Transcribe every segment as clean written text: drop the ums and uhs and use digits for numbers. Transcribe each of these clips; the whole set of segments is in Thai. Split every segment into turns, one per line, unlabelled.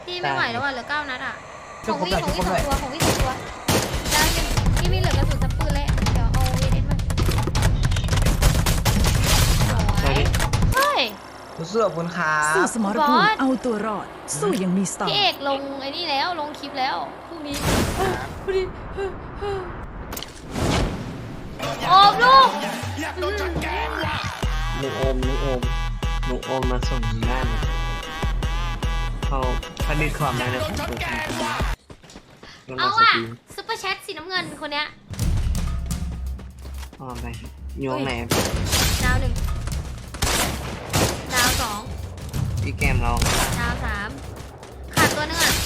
พี่ไม่ไหวแล้วว่ะเหลือ9 นัดอ่ะข
ช่วย
อง
ผม
วิ่
หน่อย
ของ
ช่วย
วิ่
ผมหน่อย
2 ตัวของวิ่ง2 ตัวได้หนึ่งพี่ไม่เหลือกระสุนสักปืนเลยเดี๋ยวเอาเอเดนมาสวยเฮ้ย
เสื้อคุณครั
สู้
บ
สมรภูมิเอาตัวรอด สู้ยังมีสไต
พี่
ล์
เอกลงไอ้นี่แล้วลงคลิปแล้วพรุ่งนี้พอดีโอมลูก
หนูโอมมาส่งบ้านเขาผลิตความได้นะผมเปิดทางแล้ว
เอา
ส
อ่ะ
ตรีม
ซุปเปอร์แชทสีน้ำเงินคนเนี้ย
อ๋อไปโยงไหน
ดาว 1ดาว 2
พี่แกมเรา
ดาว 3ขาดตัวนึงอ่ะ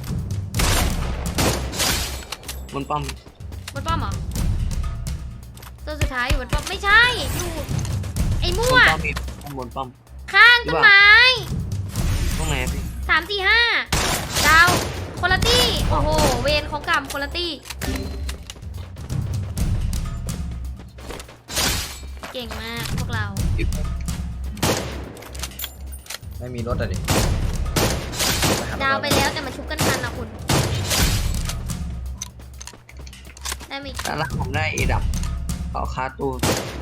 บนป้อม
บนป้อมเหรอตัวสุดท้ายอยู่บนป้อมไม่ใช่อยู่ไอ้
บ
มั่
น
ว
ป้อมมีบนป้อม
ข้างต้นไม้
ตรงไหนพี่
3 4 5ดาวคนละตี้โอ้โหเวรของกรรมคนละตี้เก่งมากพวกเรา
ไม่มีรถอะดิ
ดาวไปแล้วแต่มาชุบกันทันนะคุณได้ไหม
แต่ละผมได้เอดับต่อคาตู้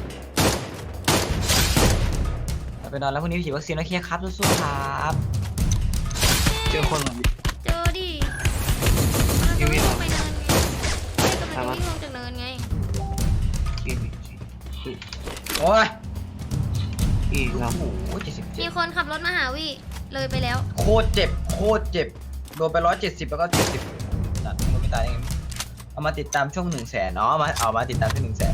ไปนอนแล้วพรุ่งนี้ฉีดวัคซีนแล้วเคลียร์ครับสู้ๆครับ
เจอคนแบบ
เจอดิเราจะวิ่งลงไปเนินไงไม่กำลังจะวิ่งลงจากเนินไง
โอ้ย
พี่เรา
โอ้โห77
มีคนขับรถมาหาวิเลยไปแล้ว
โคตรเจ็บโคตรเจ็บโดนไป170แล้วก็70นัดมันไม่ตายยังไงเอามาติดตามช่วง100,000เนาะเอามาติดตามช่วง100,000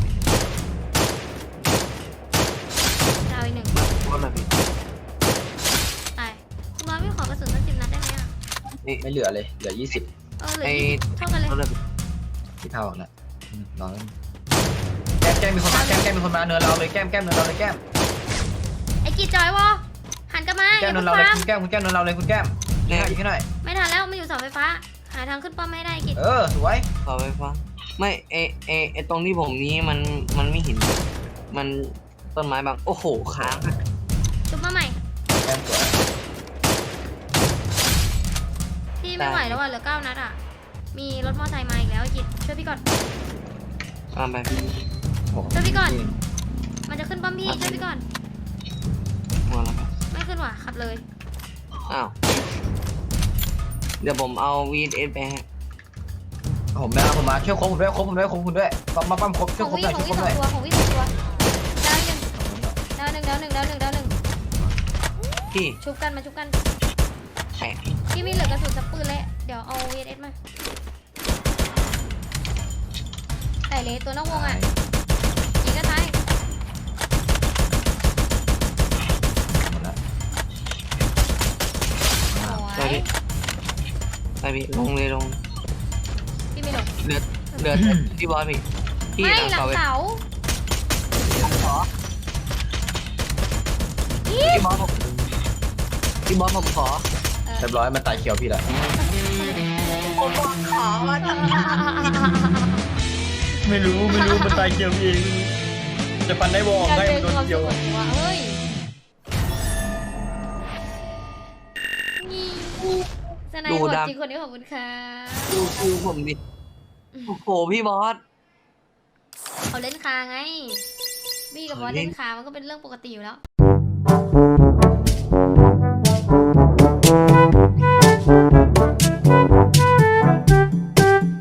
ดาวอีก 1
ว่าแบบพี่
ไปคุณน้อยไม่ขอกระสุนสัก10 นัดได้ไหมอ่ะ
ไม่เหลือเลยเหลือ20
เหลือ20เท่ากันเลย
ว่าแบบ
ที่เท่านะนอนแก้มมีคนมาแก้มมีคนมาเนินเราเลยแก้มเนินเราเลยแก้ม
ไอ้กีจอยวะหันกลับมา
แก้มเนินเราเลยคุณแก้มเนินเราเลยคุณแก้มยิงให้หน่อย
ไม่ทันแล้วมันอยู่เสาไฟฟ้าหาทางขึ้นป้อมไม่ได้กี
สวย
ต่อไปฟังไม่ตรงที่ผมนี้มันไม่เห็นมันต้นไม้บางโอ้โหค้าง
ชุบมาใหม่
แก้มสวย
พี่ไม่ไหวแล้วว่ะเหลือ9 นัดอ่ะมีรถมอเตอร์ไซค์มาอีกแล้วไอ้กีช่วยพี่ก่อน
ตามไปพี่
ช่วยพี่ก่อนมันจะขึ้นป้อมพี่ช่วยพี่ก่อน
หัวแล้วครับ
ไม่ขึ้นว่ะขับเลย
อ้าวเดี๋ยวผมเอา VS ไปให้
ผมมาช่วยคบผมด้วยปั๊มคบ
ข
ช่วย
อง
คบ
วิ่
หน่อย
ข
ช่
อ
วย
ง
ค
วิ่
บ
ง
ห
2
น่อย
ตัวของวิ่ง2 ตัวดาว 1ดาว 1
พี่
ชุบกันมาชุบกัน
แปะ
พี่ไม่เหลือกระสุนสักปืนเลยเดี๋ยวเอา VS มาแต่เลยตัวนอกวงอ่ะยิงก็ตายโอ้
ไป
ย
พี่ไปพี่ลงเลยลง
พี่ไม่หลง
เหลือพี่บอสพี่พี่
ไม่
หลัง
หลั
เสาง
เสา
พี่บอสผมขอ
เรียบร้อยมันตายเขียวพี่แหละ
ขอมาตั้ง
ไม่รู้มันตายเขียวพี่เองจะฟันได้วอ
การ
ได้
เป็น
โดน
ความ
เขียว
สุขว่ะเฮ้ยสนายโหดจริงคนนี้ขอบคุณค่ะ
ดูคิวผมดิโอ้โหพี่บอส
เขาเล่นคาไงบี้กับบอสเล่นคามันก็เป็นเรื่องปกติอยู่แล้ว